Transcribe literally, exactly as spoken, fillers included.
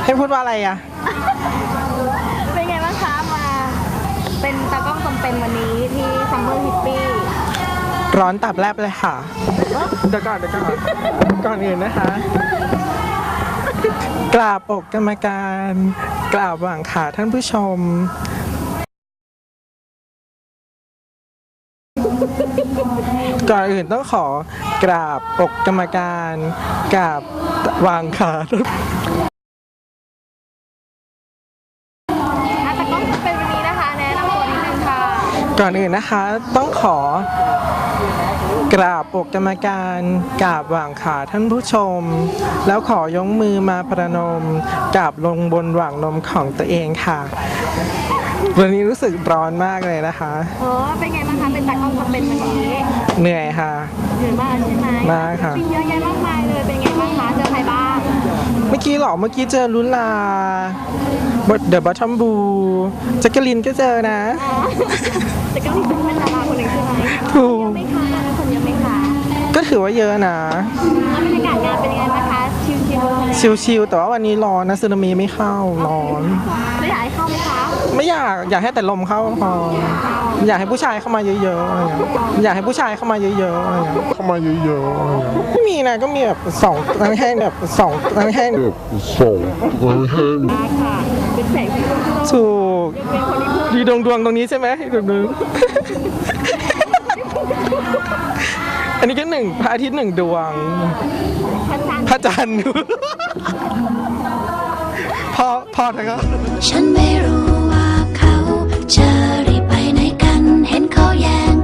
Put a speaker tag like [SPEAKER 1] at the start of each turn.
[SPEAKER 1] ให้พูดว่าอะไรอ่ะ
[SPEAKER 2] เป็นไงบ้างคะมาเป็นตากล้องจำเป็นวันนี้ที่ซัมเมอร์ฮิปปี้
[SPEAKER 1] ร้อนตับแลบเลยค่ะเดี๋ยวก่อนเดี๋ยวก่อนก่อนอื่นนะคะกราบอกกรรมการกราบหว่างขาท่านผู้ชมก่อนอื่นต้องขอกราบอกกรรมการกราบวางขา
[SPEAKER 2] ตากล้องจำเป็นวันนี้นะคะแนะนำตัวนิดนึงค่ะ
[SPEAKER 1] ก่อนอื่นนะคะต้องขอกราบอกกรรมการกราบหว่างขาท่านผู้ชมแล้วขอยกมือมาประนมกราบลงบนหว่างนมของตัวเองค่ะวันนี้รู้สึกร้อนมากเลยนะคะ
[SPEAKER 2] โอ้เป็นไงบ้างคะเป็นตากล้องจำเป็นวันนี้
[SPEAKER 1] เหนื่อยค่ะ
[SPEAKER 2] เหนื่อยมากใช่ไหม
[SPEAKER 1] มากค่ะ
[SPEAKER 2] มีเยอะแยะมากมายเลยเป็นไงบ้างคะเจอใครบ้าง
[SPEAKER 1] เมื่อกี้หรอเมื่อกี้เจอลุลาเดอะบัตทอมบูแจ็คเกอลินก็เจอนะ
[SPEAKER 2] แจ็คเกอลินเป็นดาราคนหนึ่งใช่ไหม
[SPEAKER 1] ถูก
[SPEAKER 2] ไม่คะคนเยอะไหมคะ
[SPEAKER 1] ก็ถือว่าเยอะนะ
[SPEAKER 2] บรรยากาศงานเป็นยังไงบ้างคะชิล
[SPEAKER 1] ๆชิลๆแต่ว่าวันนี้ร้อนนะสึนามิไม่เข้าร้อน
[SPEAKER 2] ไม่อยากให้เข้าไหมคะ
[SPEAKER 1] ไม่อยากอยากให้แต่ลมเข้าพออยากให้ผู้ชายเข้ามาเยอะๆอะไรเงี้ยอยากให้ผู้ชายเข้ามาเยอะๆอะไรเงี้ยเข้ามาเยอะๆอะไรเงี้ยไม่มีนะก็มีแบบสองนั่งให้แบบสองนั่งให้แบบสองนั่งให้
[SPEAKER 2] ค่ะเป็นแสงสี
[SPEAKER 1] ถูกดีดวงดวงตรงนี้ใช่ไหมดวงดวงอันนี้ก็หนึ่งพระอาทิตย์หนึ่งดวงพระจันทร์พอพอเถอะครับ
[SPEAKER 3] ฉันไม่รู้ว่าเขาจะรีบไปไหนกันเห็นเขาแย่ง